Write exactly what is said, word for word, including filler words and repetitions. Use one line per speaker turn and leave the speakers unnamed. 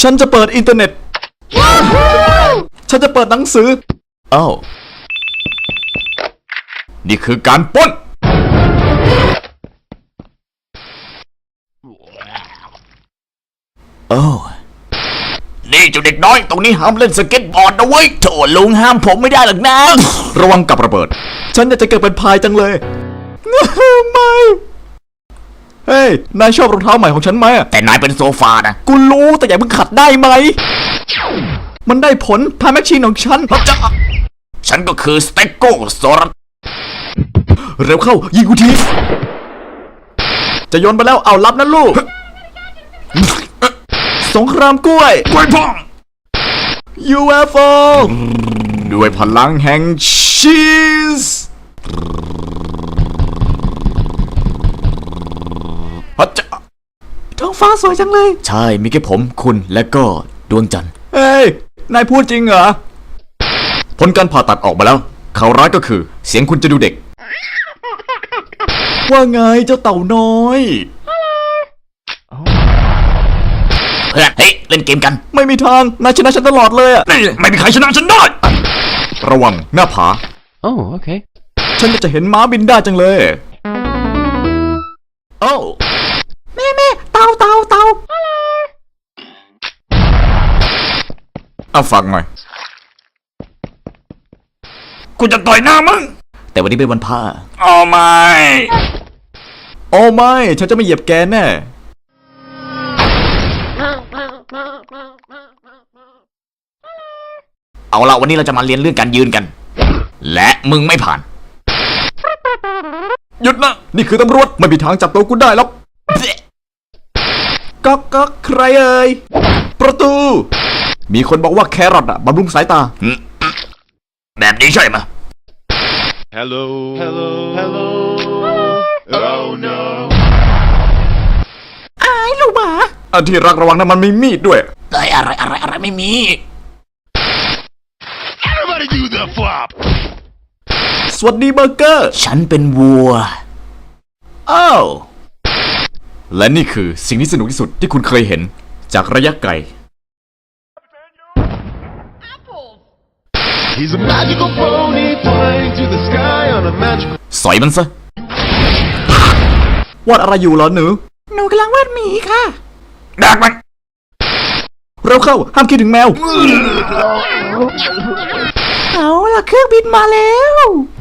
ฉันจะเปิดอินเทอร์เน็ตฉันจะเปิดหนังสืออ้าวนี่คือการปล้นโอ้นี่เจ้าเด็กน้อยตรงนี้ห้ามเล่นสเก็ตบอร์ดนะเว้ยโถลุงห้ามผมไม่ได้หรอกนะระวังกับระเบิดฉันอยากจะเกิดเป็นพายจังเลยไม่เฮ้ยนายชอบรองเท้าใหม่ของฉันไหมแต่นายเป็นโซฟานะกูรู้แต่อย่าเพิ่งขัดได้ไหมมันได้ผลทำแมชชีนของฉันจะฉันก็คือสเต็กโกโซรัสเร็วเข้ายิงกูทีจะโยนไปแล้วเอารับนะลูกสงครามกล้วยกล้วยพอง ยู เอฟ โอ ด้วยพลังแห่งชีสฮัจจะท้องฟ้าสวยจังเลยใช่มีแค่ผมคุณและก็ดวงจันทร์เฮ้ยนายพูดจริงเหรอผลการผ่าตัดออกมาแล้วข่าวร้ายก็คือเสียงคุณจะดูเด็กว่าไงเจ้าเต่าน้อยเพื่อนเฮ้ยเล่นเกมกันไม่มีทางนายชนะฉันตลอดเลยอ่ะไม่มีใครชนะฉันได้ระวังหน้าผาโอ้โอเคฉันจะเห็นม้าบินได้จังเลยโอ้แม่แม่เต่าเต่าเต่าเอาฟังหน่อยกูจะต่อยหน้ามึงแต่วันนี้เป็นวันพระโอ้ไม่โอ้ไม่ฉันจะไม่เหยียบแกแน่เอาละวันนี้เราจะมาเรียนเรื่องการยืนกันและมึงไม่ผ่านหยุดนะนี่คือตำรวจไม่มีทางจับตัวกูได้หรอกก๊อกก๊อกใครเอ่ยประตูมีคนบอกว่าแครอทอะบำรุงสายตาแบบนี้ใช่ไหม
Hello Hello Hello Oh no
อายลูกหมาอันที่รักระวังนะมันมีมีดด้วยเอ้ยอะไรอะไรอะไรไม่มี
Everybody do the flop
สวัสดีเบอร์เกอร์ฉันเป็นวัวอ้าวและนี่คือสิ่งที่สนุกที่สุดที่คุณเคยเห็นจากระยะไกล
He's a magical pony flying to the sky on a magical
สอยมันซะวาดอะไรอยู่เหรอหนูหนูกำลังวาดหมีค่ะดักมันเร็วเข้าห้ามคิดถึงแมวเอาล่ะเครื่องบินมาแล้ว